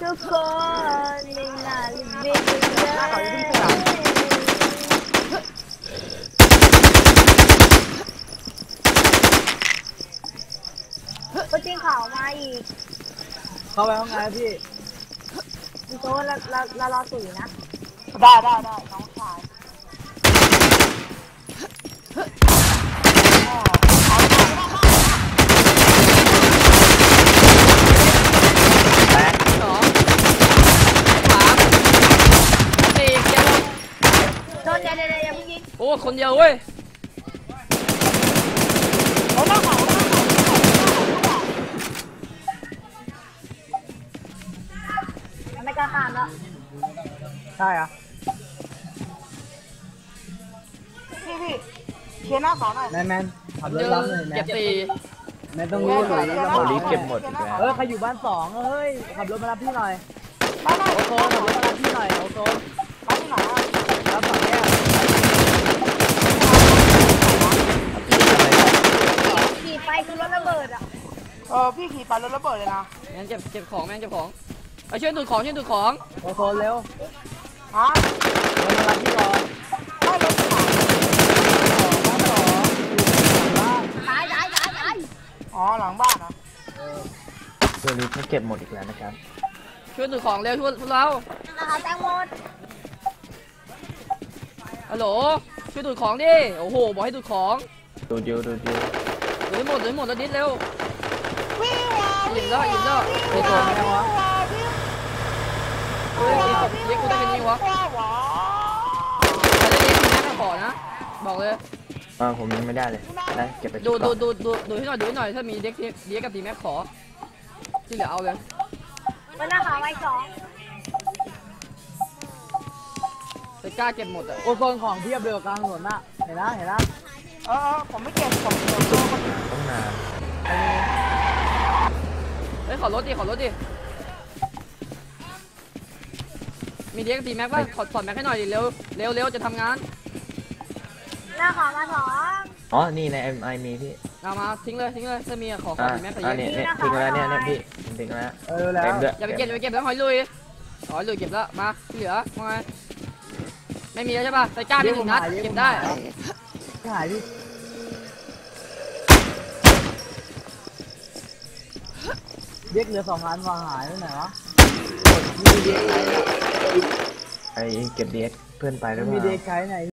ทุกคนไม่น่าลิบบิ้งเลยก็จริงข่าวมาอีกเข้าไปห้องไงพี่โต๊ะเรารอตุ๋ยนะได้น้องชายแตก 2 3 4เจ็บโดนเดี๋ยวอย่าเพิ่งยิงโอ้คนเดียวเว้ยไม่กล้าข้ามแล้วใช่อะพี่เชียร์หน้าสองหน่อยแมนขับรถรับเลยแมเจ็นบ4 แมนต้องรู้เลยโอลิฟเก็บหมดอีกแล้วใครอยู่บ้าน2เฮ้ยขับรถมารับพี่หน่อยโอโซนขับรถมารับพี่หน่อยโอโซนมาที่ไหนรับ2แยกขี่ไปคือรถระเบิดอ่ะพี่ขี่ไปรถระเบิดเลยนะแม่งเจ็บของแม่งเจ็บของไปช่วยดูดของโอโซนเร็วฮะรถมารับพี่ก่อนได้รถที่ไหนตายอ๋อหลังบ้านนะโอลิฟเขาเก็บหมดอีกแล้วนะครับช่วยดูดของเร็วช่วยพวกเรานะคะแตงโมฮัลโหลช่วยดูดของดิโอ้โหบอกให้ดูดของดูดิวดูให้หมดแล้วดิสเร็วอิ่มแล้วโอโซนไม่ได้วะเฮ้ยเรียกกูได้เป็นยังวะใครได้เรียกทีแม็กขอนะบอกเลยผมยังไม่ได้เลยได้เก็บไปดูให้หน่อยถ้ามีเด็กกับทีแม็กขอที่เหลือเอาเลยมันหน้าขาวไว้2 ไปกล้าเก็บหมดอ่ะโอโซนของเทียบเรือกลางถนนน่ะเห็นนะผมไม่เก็บผมต้องนานเฮ้ยขอรถดิมีเด็กกับทีแม็กป่ะถอดแม็กให้หน่อยดิเร็วจะทำงานหน้าขาวมา2 อ๋อนี่ใน MI มีพี่เอามาทิ้งเลยถ้ามีขอทีแม็กใส่เยอะนี่ทิ้งแล้วเนี่ยพี่ทิ้งแล้วแล้วอย่าไปเก็บแล้วหอยลุยเก็บแล้วมาที่เหลือว่าไงไม่มีแล้วใช่ป่ะใส่ก้ามี1 นัดเก็บได้หายดิเด็กเหลือ2 อันวางหายไปไหนวะมีเด็กใครไอเก็บเด็กเพื่อนไปแล้วมีเด็กใครไหน